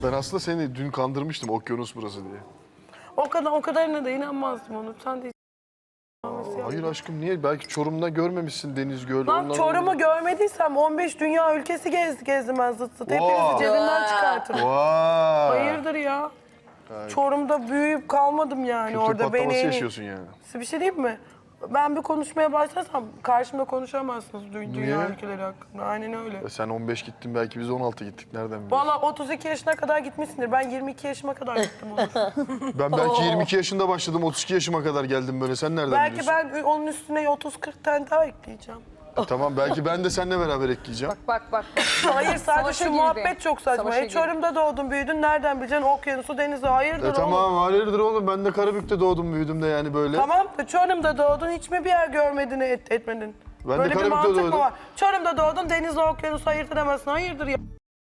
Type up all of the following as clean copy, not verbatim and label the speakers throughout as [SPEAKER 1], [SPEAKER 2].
[SPEAKER 1] Ben aslında seni dün kandırmıştım okyanus burası diye.
[SPEAKER 2] O kadarına da inanmazdım onu. Sen de
[SPEAKER 1] Hayır aşkım niye? Belki Çorum'da görmemişsin deniz, göl.
[SPEAKER 2] Lan Çorum'u görmediysem 15 dünya ülkesi gezdim ben zıt zıt. Hepinizi cebimden çıkartırım.
[SPEAKER 1] Vay.
[SPEAKER 2] Hayırdır ya? Çorum'da büyüyüp kalmadım yani
[SPEAKER 1] Kültür
[SPEAKER 2] orada.
[SPEAKER 1] patlaması
[SPEAKER 2] Beni
[SPEAKER 1] yaşıyorsun yani.
[SPEAKER 2] Size bir şey diyeyim mi? Ben bir konuşmaya başlarsam karşımda konuşamazsınız dünya
[SPEAKER 1] Niye?
[SPEAKER 2] ülkeleri hakkında. Aynen öyle.
[SPEAKER 1] Sen 15 gittin belki biz 16 gittik. Nereden biliyorsun?
[SPEAKER 2] Valla 32 yaşına kadar gitmişsindir. Ben 22 yaşıma kadar gittim olur.
[SPEAKER 1] Ben belki 22 yaşında başladım. 32 yaşıma kadar geldim böyle. Sen nereden
[SPEAKER 2] Belki
[SPEAKER 1] biliyorsun?
[SPEAKER 2] ben onun üstüne 30-40 tane daha ekleyeceğim.
[SPEAKER 1] Tamam belki ben de seninle beraber ekleyeceğim.
[SPEAKER 3] Bak.
[SPEAKER 2] Hayır sadece
[SPEAKER 3] Savaşa
[SPEAKER 2] şu
[SPEAKER 3] girdi.
[SPEAKER 2] muhabbet çok saçma.
[SPEAKER 3] Savaşa girdi.
[SPEAKER 2] Çorum'da doğdun büyüdün nereden bileceksin okyanusu denizi hayırdır oğlum.
[SPEAKER 1] Tamam hayırdır oğlum. Ben de Karabük'te doğdum büyüdüm de yani böyle.
[SPEAKER 2] Tamam da Çorum'da doğdun hiç mi bir yer görmedin etmedin?
[SPEAKER 1] Ben de
[SPEAKER 2] Böyle bir
[SPEAKER 1] Karabük'te
[SPEAKER 2] mantık
[SPEAKER 1] doğdum.
[SPEAKER 2] mı var? Çorum'da doğdun denizle okyanusu ayırt edemezsin. Hayırdır ya.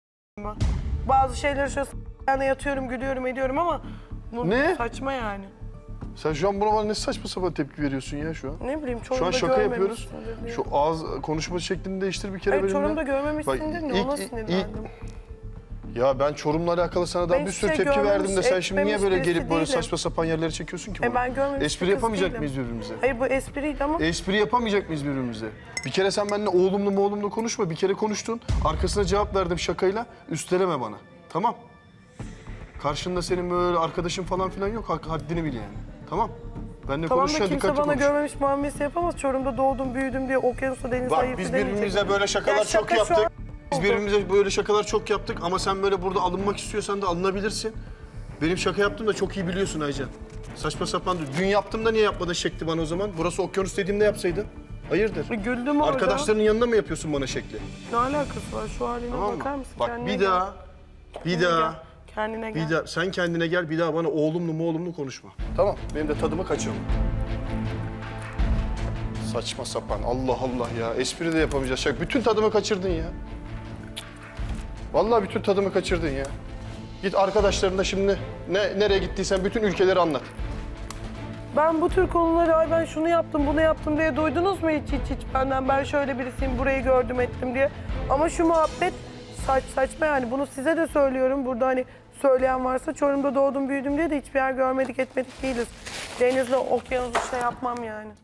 [SPEAKER 2] Bazı şeyleri şöyle yani yatıyorum gülüyorum ediyorum ama bu
[SPEAKER 1] Ne?
[SPEAKER 2] saçma yani.
[SPEAKER 1] Sen şu an buna ne saçma sapan tepki veriyorsun ya şu an.
[SPEAKER 2] Ne bileyim
[SPEAKER 1] Şu an
[SPEAKER 2] Çorum'da
[SPEAKER 1] şaka yapıyoruz.
[SPEAKER 2] görmemişsindir diye.
[SPEAKER 1] Şu ağız konuşma şeklini değiştir bir kere
[SPEAKER 2] Hayır
[SPEAKER 1] benimle.
[SPEAKER 2] Çorum'da görmemişsindir
[SPEAKER 1] Bak,
[SPEAKER 2] ne
[SPEAKER 1] ilk-
[SPEAKER 2] ona
[SPEAKER 1] ilk-
[SPEAKER 2] sinirlendim.
[SPEAKER 1] Ya ben Çorum'la alakalı sana daha
[SPEAKER 2] Ben
[SPEAKER 1] bir
[SPEAKER 2] hiçbir
[SPEAKER 1] sürü
[SPEAKER 2] şey
[SPEAKER 1] tepki
[SPEAKER 2] görmemiş,
[SPEAKER 1] verdim de sen şimdi niye böyle
[SPEAKER 2] etmemiş birisi
[SPEAKER 1] gelip böyle
[SPEAKER 2] değilim.
[SPEAKER 1] saçma sapan yerlere çekiyorsun ki bunu?
[SPEAKER 2] Ben görmemiş
[SPEAKER 1] Espri
[SPEAKER 2] bir kız
[SPEAKER 1] yapamayacak
[SPEAKER 2] değilim.
[SPEAKER 1] mıyız birbirimize?
[SPEAKER 2] Hayır bu espriydi ama
[SPEAKER 1] Espri yapamayacak mıyız birbirimize? Bir kere sen benimle oğlumlu konuşma. Bir kere konuştun. Arkasına cevap verdim şakayla. Üsteleme bana. Tamam. Karşında senin böyle arkadaşın falan filan yok. Haddini bil yani. Tamam. Benimle
[SPEAKER 2] tamam da
[SPEAKER 1] konuşurken
[SPEAKER 2] kimse
[SPEAKER 1] dikkatli
[SPEAKER 2] bana
[SPEAKER 1] konuş.
[SPEAKER 2] görmemiş muamelesi yapamaz. Çorum'da doğdum büyüdüm diye okyanusta denizde
[SPEAKER 1] Bak
[SPEAKER 2] ayırt
[SPEAKER 1] biz
[SPEAKER 2] edemeyecek.
[SPEAKER 1] birbirimize böyle şakalar
[SPEAKER 2] Ya
[SPEAKER 1] çok
[SPEAKER 2] şaka şu
[SPEAKER 1] yaptık.
[SPEAKER 2] an
[SPEAKER 1] Biz
[SPEAKER 2] oldu.
[SPEAKER 1] birbirimize böyle şakalar çok yaptık ama sen böyle burada alınmak istiyorsan da alınabilirsin. Benim şaka yaptığımı da çok iyi biliyorsun Aycan. Saçma sapan. Dün yaptığımda niye yapmadın şekli bana o zaman? Burası okyanus dediğimde yapsaydın. Hayırdır?
[SPEAKER 2] Güldüm orada.
[SPEAKER 1] Arkadaşlarının yanında mı yapıyorsun bana şekli?
[SPEAKER 2] Ne alakası var? Şu haline
[SPEAKER 1] Tamam
[SPEAKER 2] bakar
[SPEAKER 1] mı?
[SPEAKER 2] mısın?
[SPEAKER 1] Bak
[SPEAKER 2] Kendine
[SPEAKER 1] bir
[SPEAKER 2] gel.
[SPEAKER 1] daha, bir
[SPEAKER 2] Kendine
[SPEAKER 1] daha,
[SPEAKER 2] gel. Kendine gel.
[SPEAKER 1] bir daha. Sen kendine gel, bir daha bana oğlumlu konuşma. Tamam, benim de tadımı kaçırma. Saçma sapan, Allah Allah ya. Espri de yapamayacağız. Şaka. Bütün tadımı kaçırdın ya. Vallahi bütün tadımı kaçırdın ya. Git arkadaşlarına şimdi nereye gittiysen bütün ülkeleri anlat.
[SPEAKER 2] Ben bu tür konuları ay ben şunu yaptım bunu yaptım diye duydunuz mu hiç benden ben şöyle birisiyim burayı gördüm ettim diye. Ama şu muhabbet saçma yani bunu size de söylüyorum burada hani söyleyen varsa Çorum'da doğdum büyüdüm diye de hiçbir yer görmedik etmedik değiliz. Denizle okyanusu şey yapmam yani.